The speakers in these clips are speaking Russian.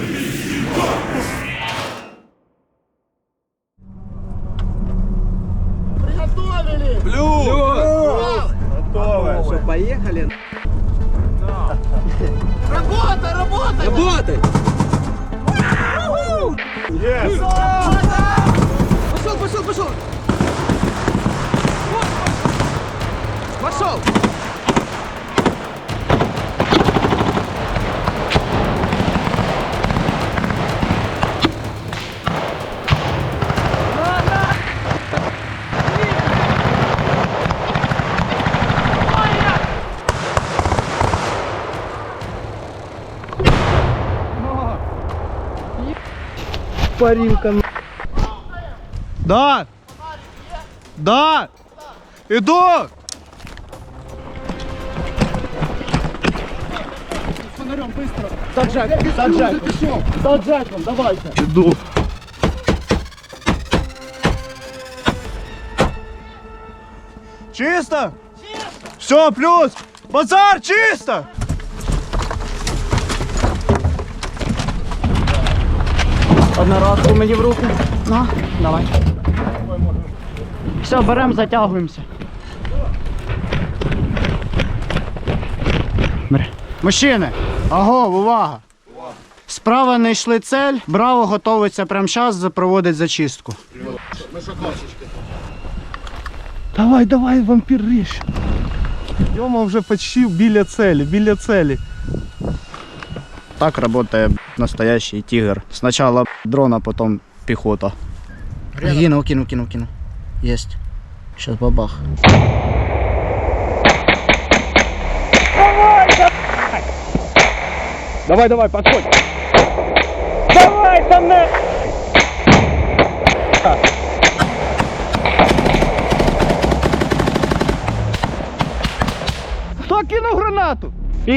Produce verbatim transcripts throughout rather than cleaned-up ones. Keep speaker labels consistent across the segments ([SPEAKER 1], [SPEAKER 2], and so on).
[SPEAKER 1] Приготовили!
[SPEAKER 2] Плюс!
[SPEAKER 1] Плюс!
[SPEAKER 2] Готовы!
[SPEAKER 3] Что, поехали?
[SPEAKER 2] Да.
[SPEAKER 1] Работай, работай!
[SPEAKER 3] Работай!
[SPEAKER 2] Есть!
[SPEAKER 3] Пошел, пошел, пошел! Пошел!
[SPEAKER 2] Парилка. Да! Да! Иду!
[SPEAKER 1] Фонарем быстро!
[SPEAKER 2] Саджай, саджай!
[SPEAKER 1] Саджай, давайте!
[SPEAKER 2] Иду! Чисто? Чисто! Все, плюс! Базар чисто!
[SPEAKER 4] Одноразку мені в руку. Ну, давай. Все, беремо, затягуємося. Бери. Мужчини, агов, увага! Справа не йшли цель, браво готується прямо зараз, проводить зачистку.
[SPEAKER 2] Давай, давай, вампір ріж. Йома вже почти біля цілі, біля цілі.
[SPEAKER 4] Так працює настоящий тигр. Спочатку дрон, а потім піхота. Кинув, кинув, кинув, кинув. Єсть. Сейчас бабах.
[SPEAKER 2] Давай, давай, подходь. Давай, там не... Хто кинув гранату?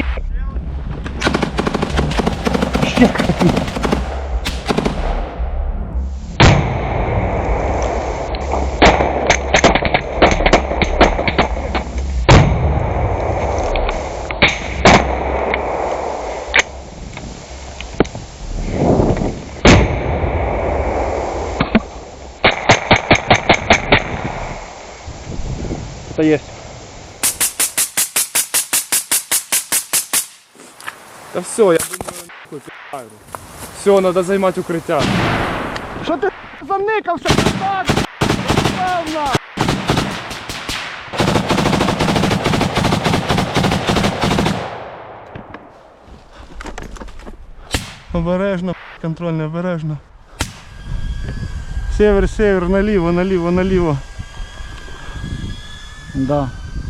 [SPEAKER 2] Что есть?
[SPEAKER 5] Да все, я думаю, нахуй, пи***ю. Все, надо займать укриття.
[SPEAKER 2] Що ти заникався? Так, певно. Обережно, контрольно, обережно. Север, север, наліво, наліво, наліво.
[SPEAKER 4] Да.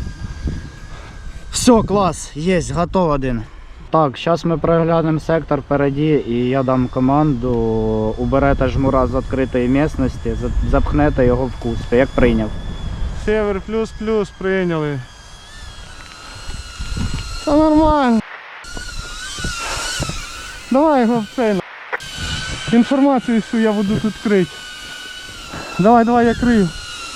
[SPEAKER 4] Все, клас, є, готов один. Так, зараз ми переглянемо сектор впереді і я дам команду, уберете жмура з відкритої місцевості, запхнете його в куст, як прийняв.
[SPEAKER 2] Север плюс-плюс прийняли. Все нормально. Давай його в цей. Інформацію всю я буду тут крити. Давай, давай, я крию.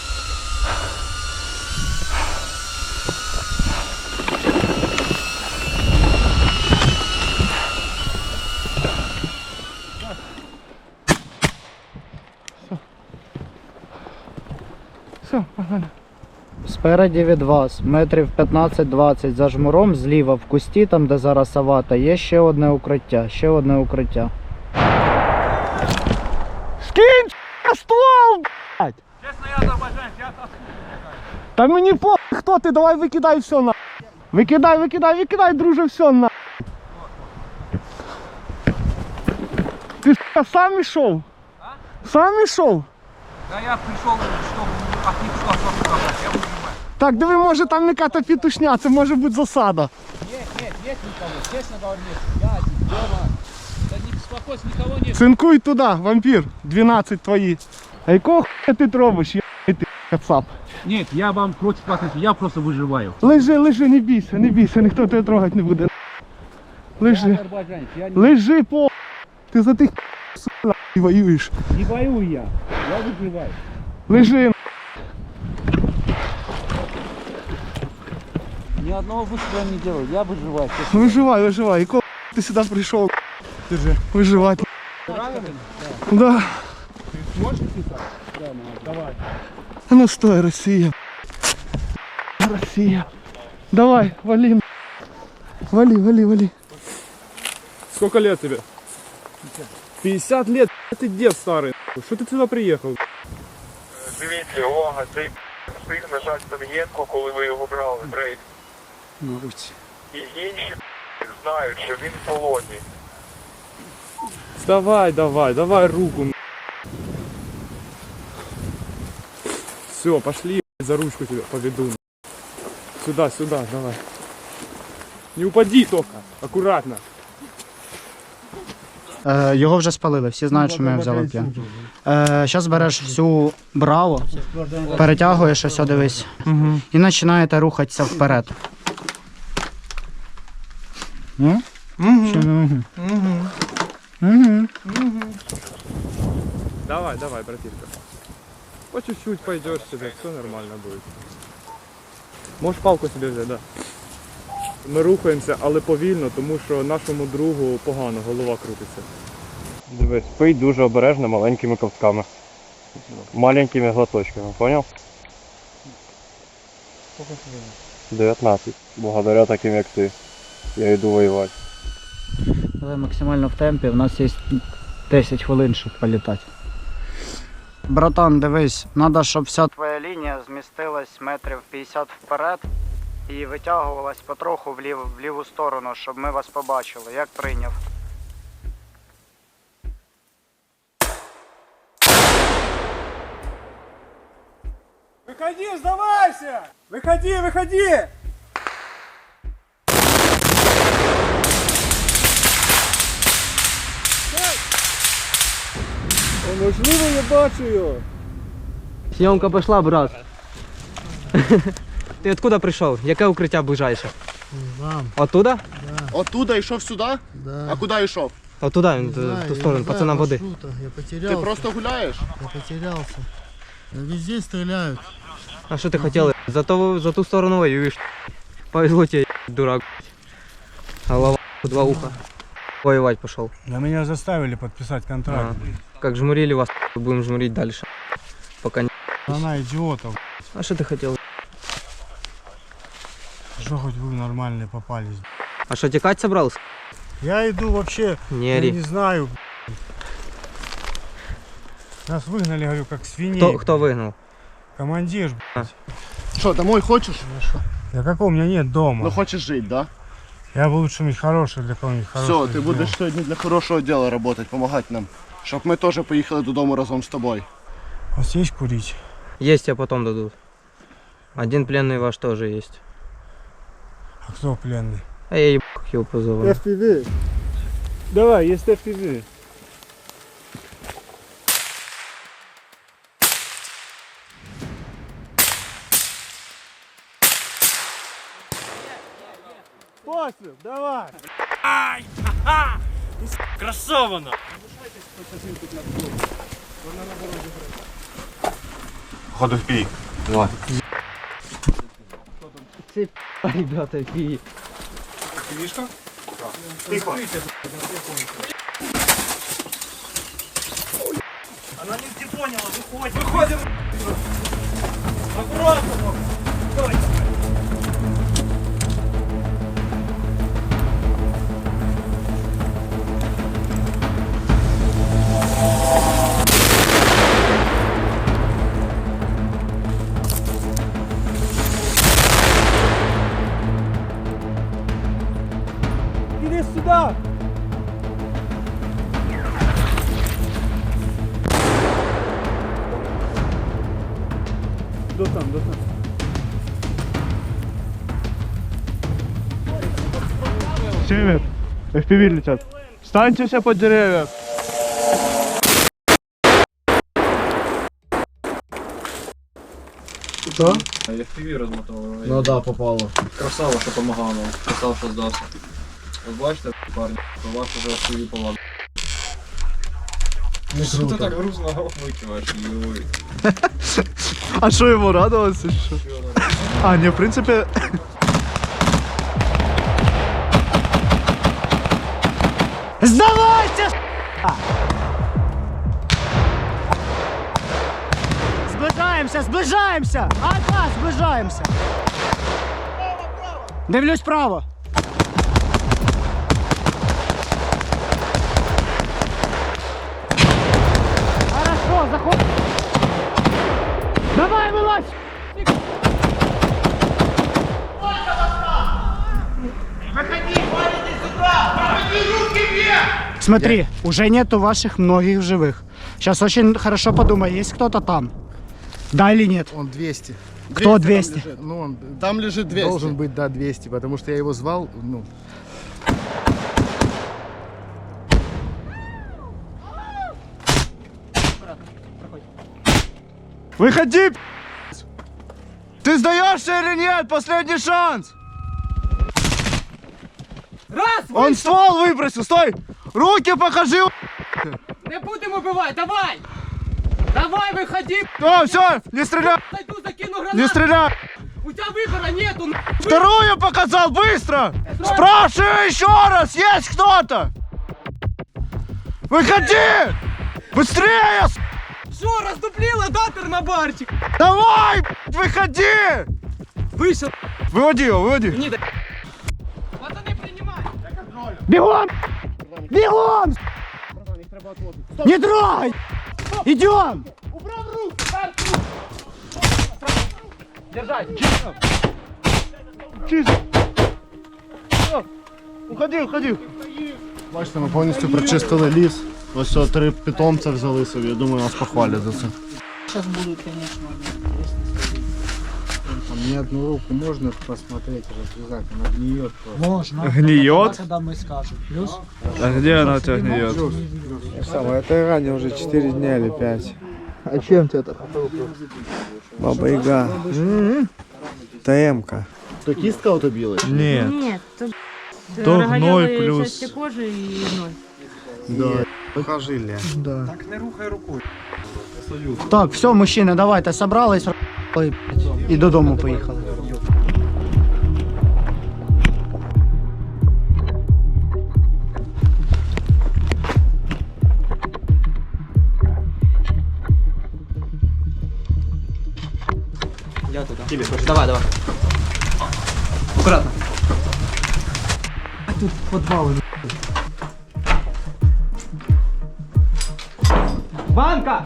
[SPEAKER 2] Все, погнали.
[SPEAKER 4] Спереді від вас, метрів п'ятнадцять-двадцять за жмуром, зліва в кусті, там де зараз авата, є ще одне укриття, ще одне укриття.
[SPEAKER 2] Скинь, ствол, блядь! Чесно, я азербайджанець, я Та мені по хто ти, давай викидай все на. Викидай, викидай, викидай, друже, все на. Ти сам ішов? А? Сам ішов?
[SPEAKER 3] Да я пришел, чтобы от них что я понимаю.
[SPEAKER 2] Так, диви, може там яка-то петушня, це може бути засада.
[SPEAKER 3] Нет, нет, нет никого, честно говорю, нет. Я один дома. Да не беспокойся, никого нет.
[SPEAKER 2] Цинкуй туди, вампір, дванадцять твої. А якого хуя ти робиш, я ти кацап?
[SPEAKER 3] Нет, я вам против вас, я просто выживаю.
[SPEAKER 2] Лежи, лежи, не бійся, не бійся, ніхто тебе трогати не буде. Лежи,
[SPEAKER 3] Я азербайджанец, я не,
[SPEAKER 2] лежи, по. Ти за тих сука воюєш.
[SPEAKER 3] не воюю я, я выживаю.
[SPEAKER 2] Лежи.
[SPEAKER 3] Ни одного выстрела не делаю, я выживаю. честно.
[SPEAKER 2] Виживай, виживай. І коли ти сюди прийшов, Держи. Выживать. Да.
[SPEAKER 1] Можешь писать? Давай.
[SPEAKER 2] А ну стой, Россия. Россия. Давай, вали. Вали, вали, вали.
[SPEAKER 5] Сколько лет тебе? пятьдесят лет, ты дед старый. Что ты сюда приехал?
[SPEAKER 6] Дивіться, увага, цей встиг нажати Савієнко, коли ви його брали, брейк. І інші знають, що він в полоні.
[SPEAKER 5] Давай, давай, давай руку. Все, пошли, за ручку тебя поведу. Сюда, сюда, давай. Не упади только, аккуратно.
[SPEAKER 4] Е, його вже спалили, всі знають, що ми взяли п'ян. Е, Зараз береш всю браво, перетягуєш, ось дивись,
[SPEAKER 2] Угу.
[SPEAKER 4] і починаєте рухатися вперед. Ну?
[SPEAKER 2] Угу.
[SPEAKER 4] Чи не угу?
[SPEAKER 2] Угу.
[SPEAKER 4] Угу.
[SPEAKER 5] Давай, давай, братишка. По чуть-чуть пойдешь себе, все нормально будет. Можешь палку себе взяти, да. Ми рухаємося, але повільно, тому що нашому другу погано, голова крутиться.
[SPEAKER 7] Дивись, пий дуже обережно маленькими ковтками. Маленькими глоточками, поняв? дев'ятнадцять. Благодаря таким як ти. Я йду воювати.
[SPEAKER 4] Але максимально в темпі, в нас є десять хвилин, щоб політати. Братан, дивись, треба, щоб вся твоя лінія змістилась метрів п'ятдесят вперед і витягувалась потроху в, лів, в ліву сторону, щоб ми вас побачили. Як прийняв?
[SPEAKER 1] Выходи, сдавайся! Выходи, выходи!
[SPEAKER 2] О, можливо, я бачу його.
[SPEAKER 8] Съемка пішла, брат. Ти откуда прийшов? Яке укриття ближайше?
[SPEAKER 9] Там,
[SPEAKER 8] Оттуда?
[SPEAKER 1] Оттуда йшов сюди?
[SPEAKER 9] да.
[SPEAKER 1] А куди йшов?
[SPEAKER 8] Оттуда, він,
[SPEAKER 9] Не знаю,
[SPEAKER 8] в ту
[SPEAKER 9] я
[SPEAKER 8] сторону,
[SPEAKER 9] не знаю
[SPEAKER 8] пацанам води.
[SPEAKER 9] маршрута, Я потерялся.
[SPEAKER 1] Ти просто гуляєш?
[SPEAKER 9] Я потерялся. Везде стреляют.
[SPEAKER 8] А що ти хотів? Зато за ту сторону воюєш. Повезло тебе, дурак. Голова, два уха. Воевать пошел.
[SPEAKER 2] Да меня заставили подписать контракт,
[SPEAKER 8] А.
[SPEAKER 2] блин.
[SPEAKER 8] Как жмурили вас, будем жмурить дальше. Пока не...
[SPEAKER 2] Она идиотов.
[SPEAKER 8] А что ты хотел?
[SPEAKER 2] Что хоть вы нормальные попались.
[SPEAKER 8] А что, текать собрался?
[SPEAKER 2] Я иду вообще,
[SPEAKER 8] Не
[SPEAKER 2] я
[SPEAKER 8] ори.
[SPEAKER 2] не знаю. Нас выгнали, говорю, как свиней.
[SPEAKER 8] Кто, кто выгнал?
[SPEAKER 2] Командир.
[SPEAKER 1] Що, домой хочеш?
[SPEAKER 2] Да какого у меня нет дома.
[SPEAKER 1] Ну хочеш жити, да?
[SPEAKER 2] Я бы лучше быть хороший для кого-нибудь хорошего.
[SPEAKER 1] Все, ти будеш сьогодні для хорошого діла працювати, допомагати нам. Щоб ми теж поїхали додому разом з тобою.
[SPEAKER 2] У вас есть курить?
[SPEAKER 8] Есть, тебе потом дадут. Один пленный ваш тоже есть.
[SPEAKER 2] А кто пленный?
[SPEAKER 8] А я еб, как его позову.
[SPEAKER 2] эф пи ви. Давай, есть эф пи ви. Пострел, давай.
[SPEAKER 6] Ходу в пій.
[SPEAKER 8] Ребята, пи.
[SPEAKER 2] Иди сюда. До там, до там. Север, эф пи ви летят. Встаньте все под деревья.
[SPEAKER 3] Я в піві розмотував.
[SPEAKER 8] Ну да, попало.
[SPEAKER 3] Красава, що помагав нам. Красава, що здався. От бачите, парні, то вас уже в піві полагав. Що ти так грузно викиваєш, Юрій?
[SPEAKER 2] А что ему радоваться? Что? А, не, в принципе...
[SPEAKER 4] Здавайся! с***а! Зближаємося, зближаємося! Ага, зближаємося! Дивлюсь право! Хорошо, заходь! Давай, вылазь! Смотри, уже нету ваших многих в живых. Сейчас очень хорошо подумай, есть кто-то там? Да или нет?
[SPEAKER 9] Он двести.
[SPEAKER 4] Кто двести?
[SPEAKER 1] Там лежит,
[SPEAKER 9] Ну, он
[SPEAKER 1] там лежит двести.
[SPEAKER 9] должен быть, да, двести, потому что я его звал, ну.
[SPEAKER 2] Выходи! Ты сдаешься или нет? Последний шанс!
[SPEAKER 3] Раз!
[SPEAKER 2] Он ствол выбросил, стой! Руки покажи!
[SPEAKER 3] Не будем убивать, давай! Давай, выходи!
[SPEAKER 2] О, все, не стреляй!
[SPEAKER 3] Зайду, закину
[SPEAKER 2] Не
[SPEAKER 3] гранату!
[SPEAKER 2] стреляй!
[SPEAKER 3] У тебя выбора нету! н-
[SPEAKER 2] Вторую показал, быстро! Спрашиваю еще раз, есть кто-то? Выходи! Быстрее! с***!
[SPEAKER 3] Что, раздуплила, да, термобарчик?
[SPEAKER 2] Давай, выходи!
[SPEAKER 3] Вышел!
[SPEAKER 2] Выводи его, выводи!
[SPEAKER 3] Не дай! Пацаны, принимай!
[SPEAKER 4] Бегом! Бегом! Не трогай! Идем!
[SPEAKER 3] Держать!
[SPEAKER 2] Чисто! Всё, уходи, уходи!
[SPEAKER 1] Бачите, ми повністю прочистили ліс. Ось о, три питомця взяли собі. Я думаю, нас похвалять за це.
[SPEAKER 4] Сейчас будут, конечно,
[SPEAKER 9] А мне одну руку можно посмотреть, развязать, она гниет просто.
[SPEAKER 4] можно.
[SPEAKER 2] Гниет?
[SPEAKER 4] Когда мы скажем. Плюс?
[SPEAKER 2] А где она у тебя гниет?
[SPEAKER 10] Самое, это ранее уже четыре дня или пять. А чем тебя так? Баба Яга. ТМ-ка.
[SPEAKER 1] То кістка ото білий?
[SPEAKER 2] Нет.
[SPEAKER 11] Нет, то,
[SPEAKER 2] То
[SPEAKER 11] роговелые
[SPEAKER 2] гной плюс-
[SPEAKER 11] части кожи и гной.
[SPEAKER 1] Да.
[SPEAKER 10] Покажили.
[SPEAKER 4] Так, все, мужчини, давайте, собрались р**ли, і додому поїхали.
[SPEAKER 8] Я туда. Давай, давай. Аккуратно.
[SPEAKER 4] Тут підвали.
[SPEAKER 8] Банка!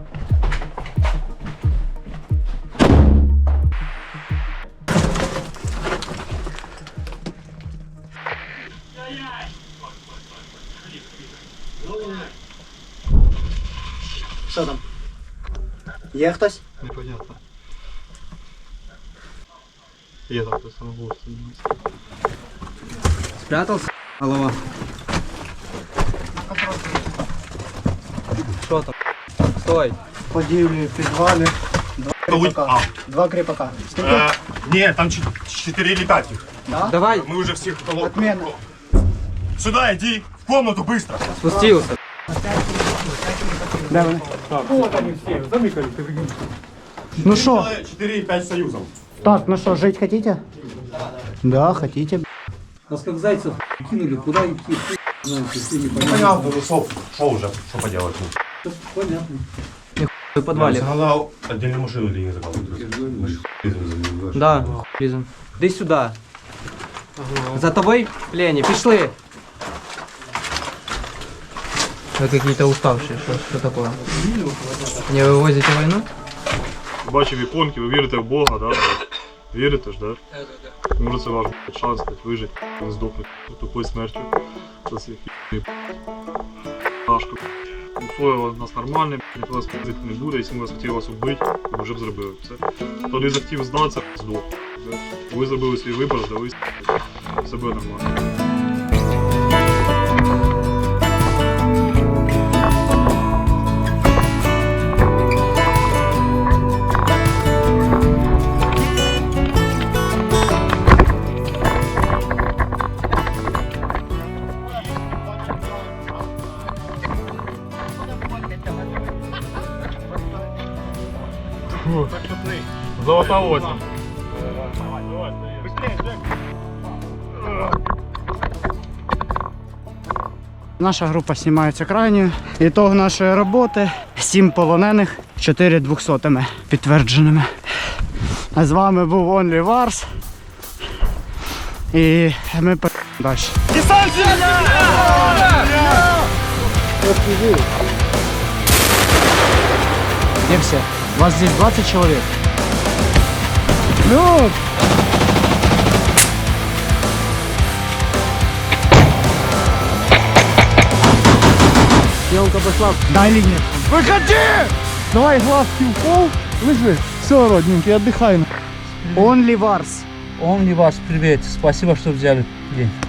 [SPEAKER 4] Що там? Є хтось?
[SPEAKER 5] Непонятно. Я там просто на голову.
[SPEAKER 8] Спрятался? Голова. Что там? Стой.
[SPEAKER 4] Подівлі в підвалі. Два кріпака. Два кріпака. Скільки?
[SPEAKER 7] Е, ні, там чотири или п'ять їх.
[SPEAKER 4] Да?
[SPEAKER 8] Давай.
[SPEAKER 7] Ми вже всіх коло...
[SPEAKER 4] Отмена.
[SPEAKER 7] Сюди, йди, в комнату, быстро.
[SPEAKER 8] Спустился.
[SPEAKER 4] Де вони? Ну що?
[SPEAKER 7] чотири і п'ять союзів.
[SPEAKER 4] Так, ну что, жить хотите? Да, хотите.
[SPEAKER 3] Нас как зайцев кинули, куда идти?
[SPEAKER 7] Понятно, ну що, що вже, що поделать?
[SPEAKER 3] Понятно.
[SPEAKER 8] В подвале.
[SPEAKER 7] Загадал отдельную машину или не загадал?
[SPEAKER 8] Да, лізем. Іди сюди. За тобой, Лені, пішли. Вы какие-то уставшие, что, что такое? Не вывозите войну?
[SPEAKER 5] Бачив іконки, ви вірите в Бога, да? Вірите ж, да? Може це ваш блядь, шанс блядь, вижити, не здохнути тупою смертю. За цих Пашку. Условия у нас нормальні, ніхто вас пиздити не буде, якщо ми вас хотіли вас вбити, ви вже б зробили все. Хто не захотів здатися, здох. Ви зробили свій вибір, здали себе нормально. Золота осень.
[SPEAKER 4] Наша група знімається крайньою. Ітог нашої роботи сім полонених, чотири двохсотими підтвердженими. А з вами був Only Wars. І ми по далі. Где все? Вас здесь двадцать человек.
[SPEAKER 2] Ну,
[SPEAKER 4] Елка пошла.
[SPEAKER 2] дай линию. Выходи! Давай глазки в пол. Лежи. Все, родненький, отдыхай.
[SPEAKER 4] Only Wars.
[SPEAKER 3] Он ли вас привет. Спасибо, что взяли день.